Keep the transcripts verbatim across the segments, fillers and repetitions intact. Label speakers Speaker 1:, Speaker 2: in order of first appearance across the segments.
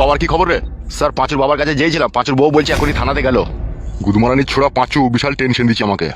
Speaker 1: বাবার কি খবর রে? স্যার পাঁচুর বাবার কাছে যেয়েছিলাম, পাঁচুর বউ বলছে এখনই থানাতে গেল। গুদমারানির ছোড়া পাঁচু বিশাল টেনশন দিচ্ছে আমাকে।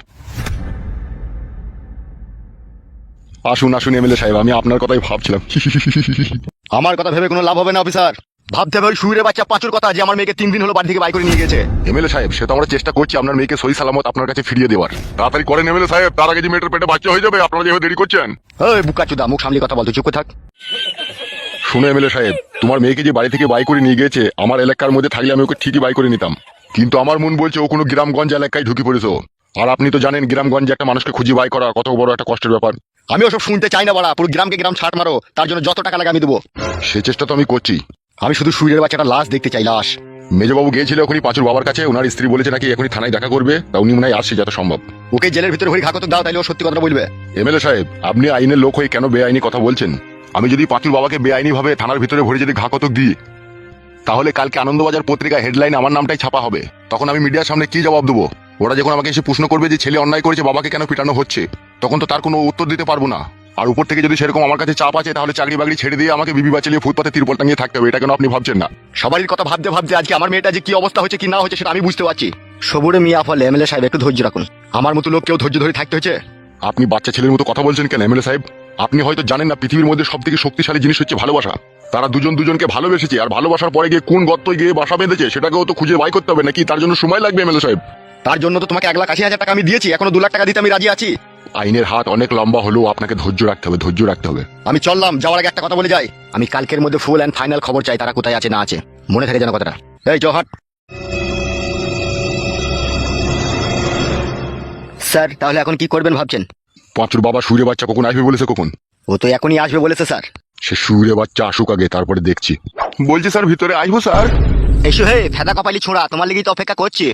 Speaker 1: আসুন আসুন এমএলএ সাহেব, আমি আপনার কথাই ভাবছিলাম। আমার কথা ভেবে কোনো লাভ হবে না অফিসার, ভাবতে হবে ওই শুইরে বাচ্চা পাঁচুর কথা, যে আমার মেয়েকে তিন দিন হলো বাড়ি থেকে বাই করে নিয়ে গেছে। এমএলএ সাহেব, সে তো আমরা চেষ্টা করছি আপনার মেয়েকে সহি সালামত আপনার কাছে ফিরিয়ে দেওয়ার। তাড়াতাড়ি করেন এমএলএ সাহেব, তার আগে যে মেয়েটার পেটে বাচ্চা হয়ে যাবে। আপনারা যেভাবে দেরি করছেন। এই বুকাচুদা, মুখ সামলি কথা বলতো, চুপ করে থাক। শুনে এমএলএ সাহেব, তোমার মেয়েকে যে বাড়ি থেকে বাই করে নিয়ে গেছে, আমার এলাকার মধ্যে থাকলে আমি ওকে ঠিকই বাই করে নিতাম, কিন্তু আমার মন বলছে ও কোনো গ্রামগঞ্জ এলাকায় ঢুকে পড়েছে। আর আপনি তো জানেন গ্রামগঞ্জে একটা মানুষকে খুঁজে বাই করা কত বড় একটা কষ্টের ব্যাপার। আমি ওসব শুনতে চাই না বাড়া, পুরো গ্রামকে গ্রাম ছাট মারো, তার জন্য যত টাকা লাগে আমি দেবো। সে চেষ্টা তো আমি করছি, আমি শুধু শুইরের বাচ্চাটা লাশ দেখতে চাই, লাশ। মেজবাবু গিয়েছিল এখনই পাঁচুর বাবার কাছে, ওনার স্ত্রী বলেছে নাকি এখনই থানায় দেখা করবে, তা উনি মনে হয় আসছে যত সম্ভব। ওকে জেলের ভিতরে হরি ঘাকত দাও, তাইলে ও সত্যি কথা বলবে। এমএলএ সাহেব, আপনি আইনের লোক হয়ে কেন বেআইনি কথা বলছেন? আমি যদি পাঁচুর বাবাকে বেআইনি ভাবে থানার ভিতরে ভরে যদি ঘাকতক দিই, তাহলে কালকে আনন্দবাজার পত্রিকা হেডলাইন আমার নামটাই ছাপা হবে। তখন আমি মিডিয়ার সামনে কি জবাব দেবো? ওরা যখন আমাকে এসে প্রশ্ন করবে যে ছেলে অন্যায় করেছে, বাবাকে কেন পিটানো হচ্ছে, তখন তো তার কোনো উত্তর দিতে পারবো না। আর উপর থেকে যদি সেরকম আমার কাছে চাপ আছে, তাহলে চাকরি বাকরি ছেড়ে দিয়ে আমাকে বিবি বাঁচালিয়ে ফুটপাতে তিরপল টাঙিয়ে থাকতে হবে। এটা কেন আপনি ভাবছেন না? সবারই কথা ভাবতে ভাবতে আজকে আমার মেয়েটা যে কি অবস্থা হচ্ছে কি না হচ্ছে সেটা আমি বুঝতে পারছি। সবুরে মিয়া ফলে এমএলএ সাহেব একটু ধৈর্য রাখুন, আমার মতো লোক কেউ ধৈর্য ধরে থাকতে হচ্ছে। আপনি বাচ্চা ছেলের মতো কথা বলছেন কেন এমএলএ সাহেব? আপনি হয়তো জানেন না, পৃথিবীর মধ্যে সব থেকে শক্তিশালী জিনিস হচ্ছে ভালোবাসা। তারা দুজন দুজনকে ভালোবেসেছে, আর ভালোবাসার পরে গিয়ে কোন গর্তয় গিয়ে বাসা বেঁধেছে সেটাকেও তো খুঁজে বাই করতে হবে নাকি? তার জন্য সময় লাগবে এমএলএ সাহেব। তার জন্য তো তোমাকে এক লাখ আশি হাজার টাকা আমি দিয়েছি, এখনো দু লাখ টাকা দিতে আমি রাজি আছি। আইনের হাত অনেক লম্বা হলেও আপনাকে ধৈর্য রাখতে হবে, ধৈর্য রাখতে হবে। আমি চললাম, যাওয়ার আগে একটা কথা বলে যাই, আমি কালকের মধ্যে ফুল অ্যান্ড ফাইনাল খবর চাই, তারা কোথায় আছে না আছে, মনে থাকে যেন কথাটা। এই জহাট স্যার, তাহলে এখন কি করবেন ভাবছেন? পাঁচুর বাবা সুরে বাচ্চা কখন আসবে বলেছে? কখন? ও তো এখনই আসবে বলেছে স্যার। সে সুরে বাচ্চা আসুক আগে, তারপরে দেখছি। বলছি স্যার ভিতরে আসবো স্যার? এসো হে ফেদা কপালি ছোঁড়া, তোমার লেগেই তো অপেক্ষা করছি।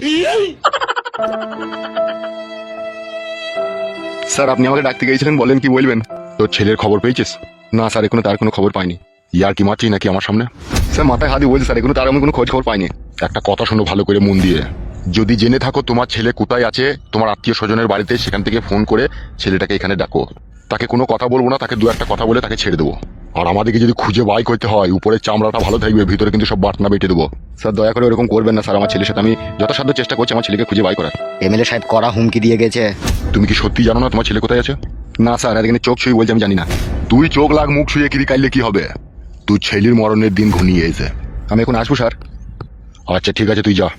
Speaker 1: স্যার আপনি আমাকে ডাকতে গিয়েছিলেন, বলেন কি বলবেন? তোর ছেলের খবর পেয়েছিস? না স্যার, এখনো তার কোনো খবর পাইনি। ইয়ার কি মারছি নাকি আমার সামনে? স্যার মাথায় হাত দিয়ে বলছি স্যার, এখনো তার আমি কোনো খোঁজ খবর পাইনি। একটা কথা শোনো ভালো করে মন দিয়ে, যদি জেনে থাকো তোমার ছেলে কোথায় আছে, তোমার আত্মীয় স্বজনের বাড়িতে, সেখান থেকে ফোন করে ছেলেটাকে এখানে ডাকো। তাকে কোনো কথা বলবো না, তাকে দু একটা কথা বলে তাকে ছেড়ে দেবো। আর আমাদেরকে যদি খুঁজে বাই করতে হয়, উপরের চামড়াটা ভালো থাকবে, ভিতরে কিন্তু সব বাটনা বেটে দেবো। স্যার দয়া করে এরকম করবেন না স্যার, আমার ছেলের সাথে আমি যথাসাধ্য চেষ্টা করছি আমার ছেলেকে খুঁজে বাই করার। এমএলএ সাহেব কড়া হুমকি দিয়ে গেছে। তুমি কি সত্যি জানো না তোমার ছেলে কোথায় আছে? না স্যার, এখানে চোখ ছুঁয়ে বলছি আমি জানি না। তুই চোখ লাগ, মুখ ছুঁয়ে কিরি কাইলে কি হবে? তুই ছেলের মরণের দিন ঘনিয়ে এসে। আমি এখন আসবো স্যার? আচ্ছা ঠিক আছে, তুই যা।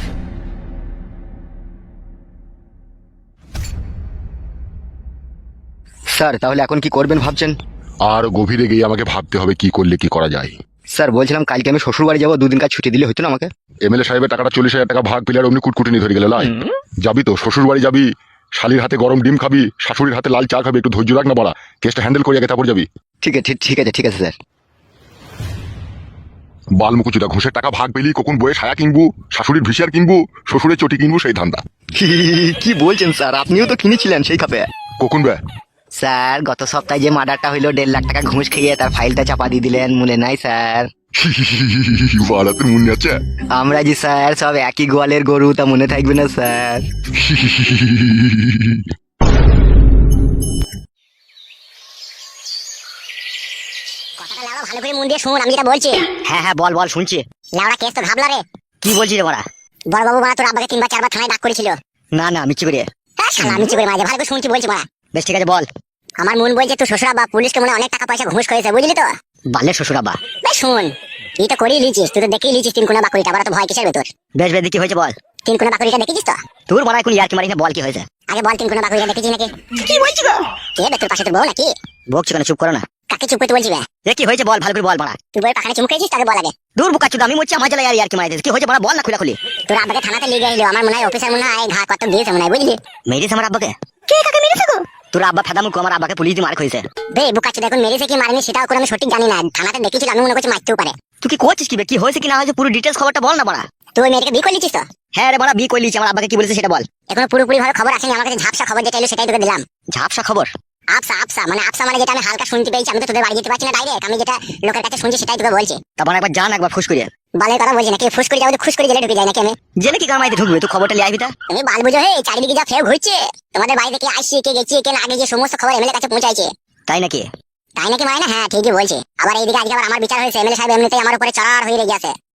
Speaker 1: স্যার তাহলে এখন কি করবেন ভাবছেন? আর গভীরে গিয়ে আমাকে ভাবতে হবে কি করলে কি করা যায়। স্যার বলছিলাম কালকে আমি শ্বশুর বাড়ি যাবো, দুদিন কাজ ছুটি দিলে হতো না আমাকে? এমএলএ সাহেবের টাকাটা চল্লিশ হাজার টাকা ভাগ পেলে আর অমনি কুটকুটি ধরে গেল লাই। যাবি তো শ্বশুর বাড়ি যাবি, শালির হাতে গরম ডিম খাবি, শাশুড়ির হাতে লাল চা খাবি, একটু ধৈর্য রাখ না বাড়া, কেসটা হ্যান্ডেল করে আগে তারপর যাবি। ঠিক আছে ঠিক আছে ঠিক আছে স্যার। বালমুকুচুদা, ঘুষের টাকা ভাগ পেলি কখন বয়ে সায়া কিনবো, শাশুড়ির ভিসিয়ার কিনবো, শ্বশুরের চটি কিনবো, সেই ধান্দা। কি বলছেন স্যার, আপনিও তো কিনেছিলেন সেই খাপে। কখন বে?
Speaker 2: স্যার গত সপ্তাহে যে মার্ডারটা হইলো দেড় লাখ টাকা ঘুষ খেয়ে তার ফাইলটা চাপা দিয়ে দিলেন, মনে নাই স্যার?
Speaker 1: বাড়াতে মনে আছে?
Speaker 2: আমরা জি স্যার সব একই গোয়ালের গরু, তা মনে থাকবে না স্যার?
Speaker 3: কথাটা লাউড়া ভালো করে মন দিয়ে শুন, আমি যেটা বলছি।
Speaker 2: হ্যাঁ হ্যাঁ বল বল, শুনছি।
Speaker 3: লাউড়া কেস তো ঘাবলা রে।
Speaker 2: কি বলছিস রে বড়া?
Speaker 3: বড় বাবু মারা তোর আব্বাকে তিনবার চারবার থানায় ডাক করেছিল।
Speaker 2: না না মিচ্ছি করে।
Speaker 3: হ্যাঁ শালা মিছি করে মাঝে ভালো করে শুনছি বলছি মারা।
Speaker 2: বেশ ঠিক আছে বল।
Speaker 3: আমার মন বলছে তোর শ্বশুর আব্বা পুলিশকে মনে হয় অনেক টাকা পয়সা ঘুষ করেছে, বুঝলি তো?
Speaker 2: বালের শ্বশুর আব্বা।
Speaker 3: বেশ শুন, তুই তো করেই লিচিস, তুই তো দেখেই লিচিস তিন কোনা বাকুড়িটা, আবার তো ভয় কিসের ভেতর?
Speaker 2: বেশ বেশ কি হয়েছে বল।
Speaker 3: তিন কোনা বাকুড়িটা দেখেছিস তো?
Speaker 2: তোর বড়া এখন ইয়ার কি মারিস না, বল কি হয়েছে?
Speaker 3: আগে বল তিন কোনা বাকুড়িটা দেখেছিস নাকি? কি বলছিস গো? কে বে তোর পাশে তোর বউ নাকি?
Speaker 2: বকছি কেন, চুপ করো না।
Speaker 3: কাকে চুপ করতে বলছি বে?
Speaker 2: এ কি হয়েছে বল, ভালো করে বল বড়া।
Speaker 3: তুই বই পাখানে চুমকেছিস, তাকে বল আগে।
Speaker 2: দূর বুকা চুদা, আমি মরছি আমার জ্বালায় আর ইয়ার কি মারিস। কি হয়েছে বড়া, বল না খুলা খুলি।
Speaker 3: তোর আব্বাকে থানাতে নিয়ে গেল, আমার মনে হয় অফিসার মনে হয় ঘা কত দিয়েছে মনে হয়, বুঝলি?
Speaker 2: মেরিস আমার আব্বাকে?
Speaker 3: কে কাকে মেরেছে গো?
Speaker 2: তোর আব্বা ফেদা মুখ, আমার আব্বাকে পুলিশ দিয়ে মার খেয়েছে।
Speaker 3: বে বুকাচ্ছি, দেখুন মেরেছে কি মারেনি সেটাও করে আমি সঠিক জানি না, থানাতে দেখেছিল, আমি মনে করছি মারতেও পারে।
Speaker 2: তুই কি করছিস কি বে, কি হয়েছে কি না হয়েছে পুরো ডিটেলস খবরটা বল না বড়া।
Speaker 3: তুই ওই মেয়েটাকে বিয়ে করলিছিস তো?
Speaker 2: হ্যাঁ রে বড়া, বিয়ে করলিছি। আমার আব্বাকে কি বলেছে সেটা বল।
Speaker 3: এখনো পুরোপুরি ভাবে খবর আসেনি, আমার কাছে ঝাপসা খবর যেটা এলো সেটাই তোকে দিলাম।
Speaker 2: ঝাপসা খবর?
Speaker 3: আফসা আফসা মানে আফসা মানে যেটা আমি হালকা শুনতে পেয়েছি, আমি তো তোদের বাড়ি যেতে পারছি না ডাইরেক্ট, আমি যেটা লোকের কাছে শুনছি সেটাই তোকে বলছি।
Speaker 2: তারপর একবার জান, একবার ফুস করিয়ে।
Speaker 3: বালের কথা বলছি নাকি, ফুস করে যাবো খুশ করে জেলে ঢুকে যায় নাকি আমি?
Speaker 2: জেনে কি কামাইতে ঢুকবে, তুই খবরটা লিয়ে আইবি তা।
Speaker 3: তুমি বাল বুঝো হে, চারিদিকে যা ফের ঘুরছে, তোমাদের বাড়ি থেকে আসছি কে গেছি কে না আগে যে সমস্ত খবর এমএলএ কাছে পৌঁছাইছে।
Speaker 2: তাই নাকি?
Speaker 3: তাই নাকি মানে না, হ্যাঁ ঠিকই বলছে। আবার এইদিকে আজকে আবার আমার বিচার হয়েছে, এমএলএ সাহেব এমনিতেই আমার উপরে চড়ার হয়ে রেগে আছে।